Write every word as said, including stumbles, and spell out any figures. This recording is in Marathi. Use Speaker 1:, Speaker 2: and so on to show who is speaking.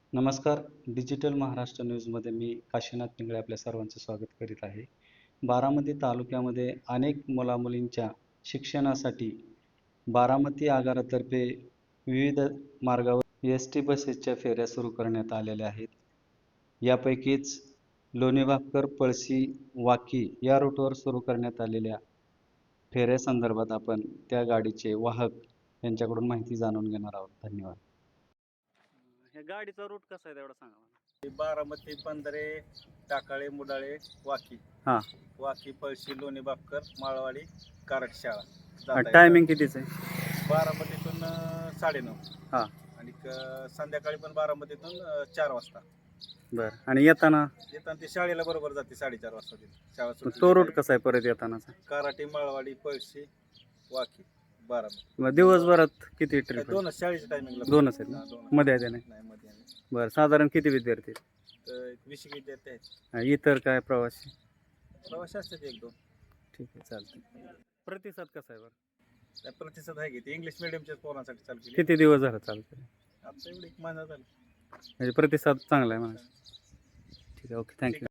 Speaker 1: नमस्कार. डिजिटल महाराष्ट्र न्यूजमध्ये मी काशीनाथ पिंगळे आपल्या सर्वांचे स्वागत करीत आहे. बारामती तालुक्यामध्ये अनेक मुलामुलींच्या शिक्षणासाठी बारामती आगारातर्फे विविध मार्गावर एस टी बसेसच्या फेऱ्या सुरू करण्यात आलेल्या आहेत. यापैकीच लोणी भापकर, पळशी, वाकी या रूटवर सुरू करण्यात आलेल्या फेऱ्यासंदर्भात आपण त्या गाडीचे वाहक यांच्याकडून माहिती जाणून घेणार आहोत. धन्यवाद.
Speaker 2: ह्या गाडीचा रूट कसा आहे तेवढा सांगा मला.
Speaker 3: बारामती, पंधरे, टाकाळे, मुडाळे, वाकी.
Speaker 2: हा.
Speaker 3: वाकी, पळशी, लोणी बापकर, माळवाडी, कराड शाळा. जाता येतं.
Speaker 2: टायमिंग कितीच आहे?
Speaker 3: बारामतीतून अं, साडेनऊ.
Speaker 2: हा.
Speaker 3: आणि क- संध्याकाळी पण बारामतीतून अं, चार वाजता.
Speaker 2: बर. आणि येताना
Speaker 3: येताना ती शाळेला बरोबर जाते साडेचार वाजता ती शाळा सुटली
Speaker 2: तो रूट
Speaker 3: की
Speaker 2: कसा आहे परत येतानाचा?
Speaker 3: कराटे, माळवाडी, पळशी, वाकी, बारामती.
Speaker 2: मग दिवसभरात किती
Speaker 3: काय
Speaker 2: ट्रिप?
Speaker 3: दोनच शाळेच्या टायमिंगला
Speaker 2: दोनच आहेत ना? मध्ये आहे नाही?
Speaker 3: नाही मध्ये नाही.
Speaker 2: बरं. साधारण किती विद्यार्थी आहेत?
Speaker 3: तर एक वीस एक विद्यार्थी आहेत.
Speaker 2: आणि इतर काय प्रवासी?
Speaker 3: प्रवासी असतात एक दोन.
Speaker 2: ठीक आहे, चालतं. प्रतिसाद कसा आहे बरं?
Speaker 3: त्या प्रतिसाद आहे की ते इंग्लिश मिडियमच्या पोरांसाठी चालू केली.
Speaker 2: किती दिवस झाला चालतं?
Speaker 3: आता एवढी एक महिना झाला.
Speaker 2: म्हणजे प्रतिसाद चांगला आहे म्हणा. ठीक आहे, ओके, थँक्यू.